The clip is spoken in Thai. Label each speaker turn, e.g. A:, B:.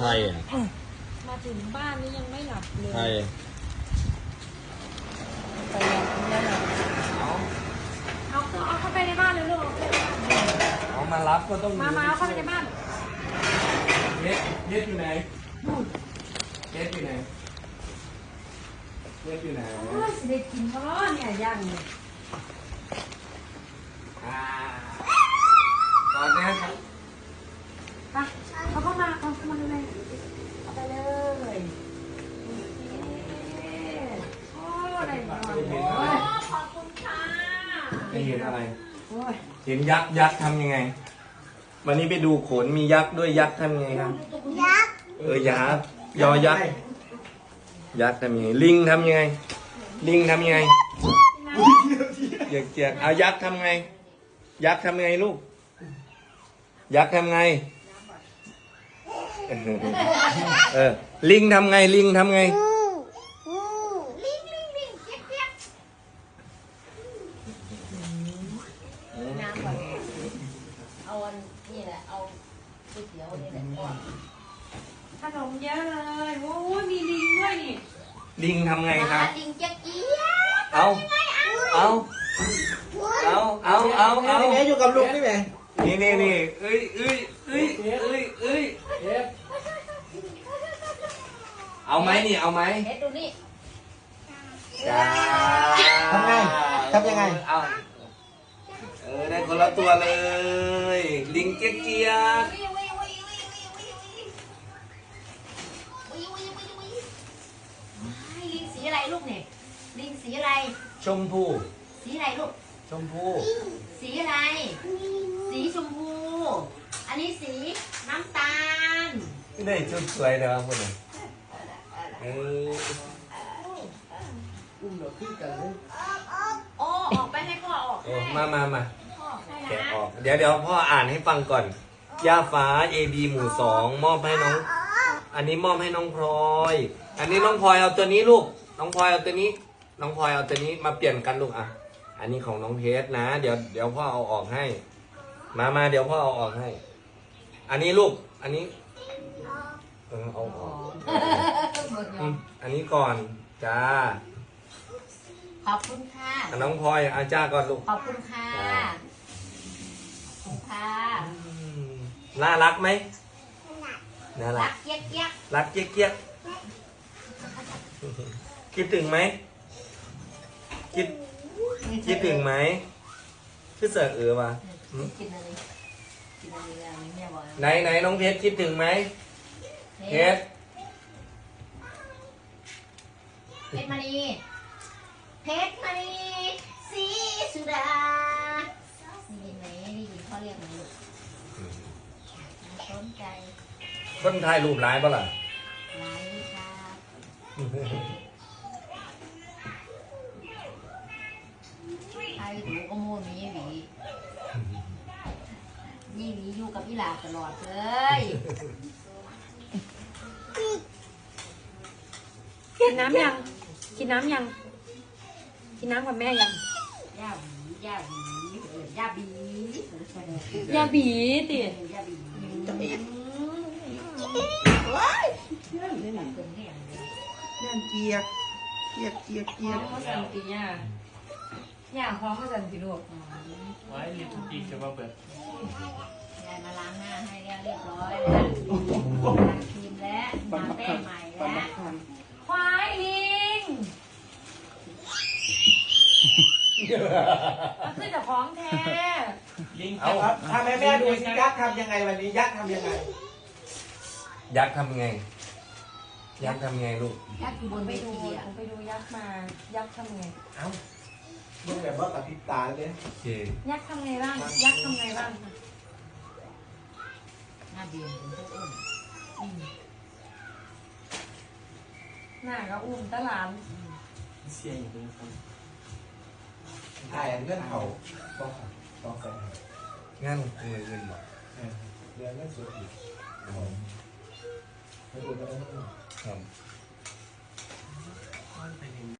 A: รอ่ะ
B: มาถึงบ้านนี่ยังไม่หลับเลย
A: ใคร
B: ไปแล้วเหรอเอาเข้าไปในบ้านเลยลูก
A: เอามารับก็ต้อง
B: มาเอาเข้าไปในบ้าน
A: เย็ดอยู่ไหนเย็ดอยู่ไหนเย็ดอยู่ไหน
B: โอ้ยสิได้กินเพราะเนี่ยย่างเนี่ย
A: ตอนนี้ครับ
B: ไปเขาเข้ามาเลยเอาไปเลยโอ้ได้หมดขอบคุณค่ะ
A: ไม่เห็นอะไรเห็นยักษ์ทำยังไงวันนี้ไปดูโขนมียักษ์ด้วยยักษ์ทำยังไงครับยักษ์ยักษ์ยอยักษ์ยักษ์ทำยังไงลิงทำยังไงลิงทำยังไงเกียกเอายักษ์ทำไงยักษ์ทำไงลูกยักษ์ทำไงลิงทำไงลิงทำไง
B: น้ำก่อนเอาอันนี่แหละเอาก๋วยเตี๋ยวนี่แหละก่อนขนมเยอะเลยโอ้ยมีลิงด้วยนี่
A: ลิงทำไงครับ
B: ลิงเจ๊กี้
A: เอา
C: อยู่กับลุงนี่แหละ
A: นี่เอ้ยเอาไหมนี่เอาไหม
B: เฮ็ดดูนี่
C: ทำยังไง
A: เอาได้คนละตัวเลยลิงเจี๊ยก
B: ลิงสีอะไรลูกเนี่ยลิงสีอะไร
A: ชมพู
B: สีอะไรลูก
A: ชมพู
B: สีอะไรสีชมพูอันนี้สีน้ำตาล
A: ไม่ได้ชุดสวยนะครับพวกนี้
C: อุ้มเราขึ้นกันเลย
B: โอ้ออกไปให้พ่อออก
A: มาแกะออกเดี๋ยวพ่ออ่านให้ฟังก่อนย่าฟ้า AB หมู่2มอบให้น้องอันนี้มอบให้น้องพลอยอันนี้น้องพลอยเอาตัวนี้ลูกน้องพลอยเอาตัวนี้น้องพลอยเอาตัวนี้มาเปลี่ยนกันลูกอ่ะอันนี้ของน้องเพชรนะเดี๋ยวพ่อเอาออกให้มาเดี๋ยวพ่อเอาออกให้อันนี้ลูกอันนี้เอาออกอันนี้ก่อนจ้า
B: ขอบคุณค่ะ
A: น้องพลอยอาจ้าก่อนลูก
B: ขอบคุณค่ะขอบคุณค่ะ
A: น่ารักไหมน่ารัก
B: เจี๊ยก
A: รักเจี๊ยกคิดถึงไหมคิดถึงไหมชื่อเสือวะไหนน้องเพชรคิดถึงไหมเพชร
B: มณีสีสุดาได้ยินไหมได้ยินเขาเรียกไหมลูกสนใจ
A: คนถ่ายรูปร้ายปะล่ะ
B: ร้ายค่ะไอ้ดูก็โม่มีหวีนี่หวีอยู่กับพี่หลาตลอดเลยกินน้ำยังกินน้ำกับแม่ยังย่าบีติ
C: นั่นเกียก
B: เขาสั่งตีย่าเขาสั่งตีลูก
D: ไว้ลิปสติกจะมาเปิด
B: ยายมาล้างหน้าให้เรียบร้อยแล้วล้างครีมแล้วมาแป้งใหม่แล้วควายลิงมันขึ้นจากของแท้
D: ลิง
C: เอาทำให้แม่ดูสิยักษ์ทำยังไงวันนี้ยักษ์ทำยังไง
A: ยักษ์ทำไงลูก
B: ยักษ์อยู่บนเวทีอ่ะไปดูยักษ์มายักษ์ทำไง
C: เอ้าเมื่อแบบว่ากับพิษตาเลย
B: ยักษ์ทำไงบ้างยักษ์ทำไงบ้างหน้าเบียนเป็นพวกอุ้มหน้าก็อุ้มตะหลาน
D: เสียงอยู่ตรงนี้
C: ถ่ายเงื่อนเขาต้องใส่
A: งั้นเงินหรอ
C: เรื่องนั้นสุดอีกไปดูกันครับ